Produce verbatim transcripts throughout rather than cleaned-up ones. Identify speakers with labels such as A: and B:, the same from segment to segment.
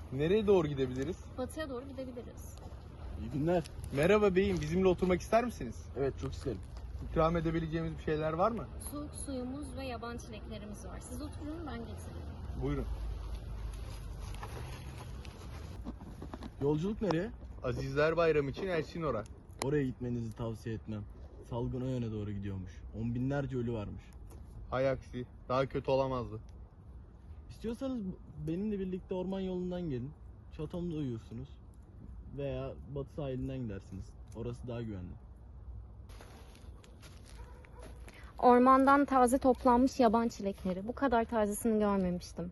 A: Nereye doğru gidebiliriz?
B: Batıya doğru gidebiliriz.
C: İyi günler.
A: Merhaba beyim, bizimle oturmak ister misiniz?
C: Evet, çok isterim.
A: İkram edebileceğimiz bir şeyler var mı?
B: Soğuk suyumuz ve yaban çileklerimiz var. Siz oturun, ben getireyim.
A: Buyurun.
C: Yolculuk nereye?
A: Azizler Bayramı için Elsinora.
C: Oraya gitmenizi tavsiye etmem. Salgın o yöne doğru gidiyormuş. On binlerce ölü varmış.
A: Hay aksi, daha kötü olamazdı.
C: İstiyorsanız benimle birlikte orman yolundan gelin. Çatomda uyursunuz. Veya batı sahilinden gidersiniz. Orası daha güvenli.
B: Ormandan taze toplanmış yaban çilekleri. Bu kadar tazesini görmemiştim.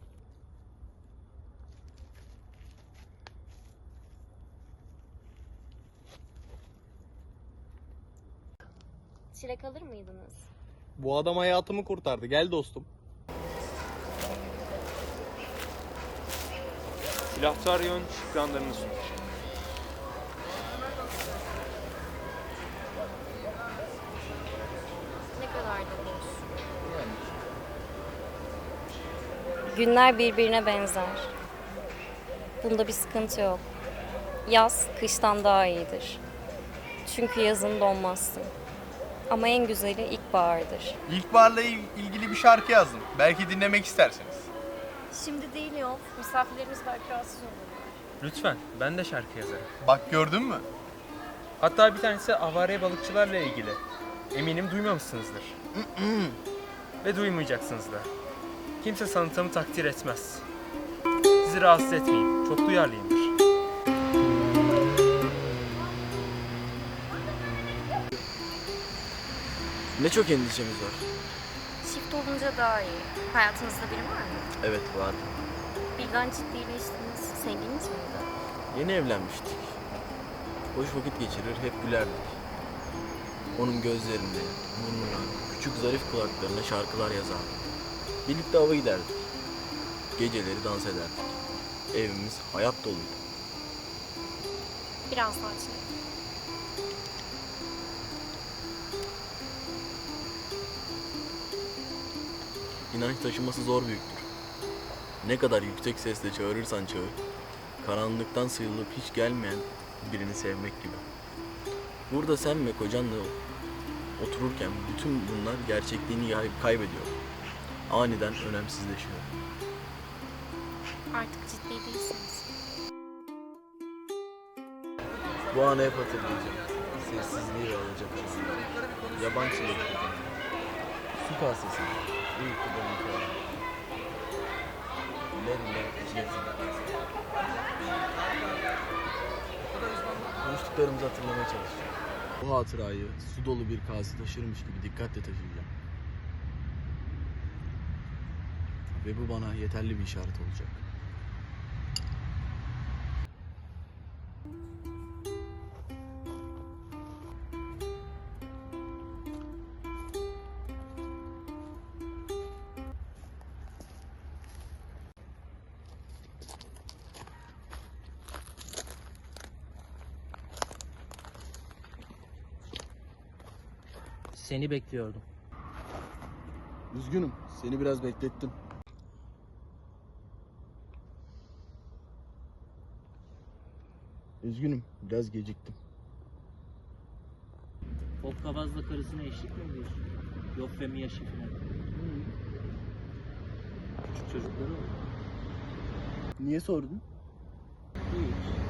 B: Çilek alır mıydınız?
A: Bu adam hayatımı kurtardı, gel dostum.
D: Silahtaryon şükranlarını sunar.
B: Ne kadar da boş. Günler birbirine benzer. Bunda bir sıkıntı yok. Yaz kıştan daha iyidir. Çünkü yazın donmazsın. Ama en güzeli ilkbahardır.
A: İlkbaharla ilgili bir şarkı yazdım. Belki dinlemek istersiniz.
B: Şimdi değil yok. Misafirlerimiz belki rahatsız olurlar.
D: Lütfen, ben de şarkı yazarım.
A: Bak gördün mü?
D: Hatta bir tanesi avare balıkçılarla ilgili. Eminim duymamışsınızdır. Ve duymayacaksınız da. Kimse sanatımı takdir etmez. Sizi rahatsız etmeyeyim, çok duyarlıyımdır.
C: Ne çok endişemiz var.
B: Çift olunca daha iyi. Hayatınızda biri var mı?
C: Evet, var.
B: Birden ciddileştiniz. Sevgiliniz miydi?
C: Yeni evlenmiştik. Boş vakit geçirir, hep gülerdik. Onun gözlerinde, burnuna, küçük zarif kulaklarına şarkılar yazardık. Birlikte ava giderdik. Geceleri dans ederdik. Evimiz hayat doluydu.
B: Biraz daha çilek.
C: İnanç taşıması zor büyüktür. Ne kadar yüksek sesle çağırırsan çağır, karanlıktan sıyrılıp hiç gelmeyen birini sevmek gibi. Burada sen ve kocanla otururken bütün bunlar gerçekliğini kaybediyor. Aniden önemsizleşiyor.
B: Artık ciddi değilsiniz.
C: Bu anı hep hatırlayacağım. Sessizliği ve alacaklısı. Yaban çilekleri. Su kasesi. Uykudan yukarı. Lerle çilekleri. Konuştuklarımızı hatırlamaya çalışacağım. Bu hatırayı su dolu bir kase taşırmış gibi dikkatle taşıyacağım. Ve bu bana yeterli bir işaret olacak.
E: Seni bekliyordum.
C: Üzgünüm, seni biraz beklettim. Üzgünüm, biraz geciktim.
E: Hokkabazla karısına eşlik mi ediyorsun? Yok Femi yaşı falan. Küçük çocukları var.
C: Niye sordun?
E: Hiç.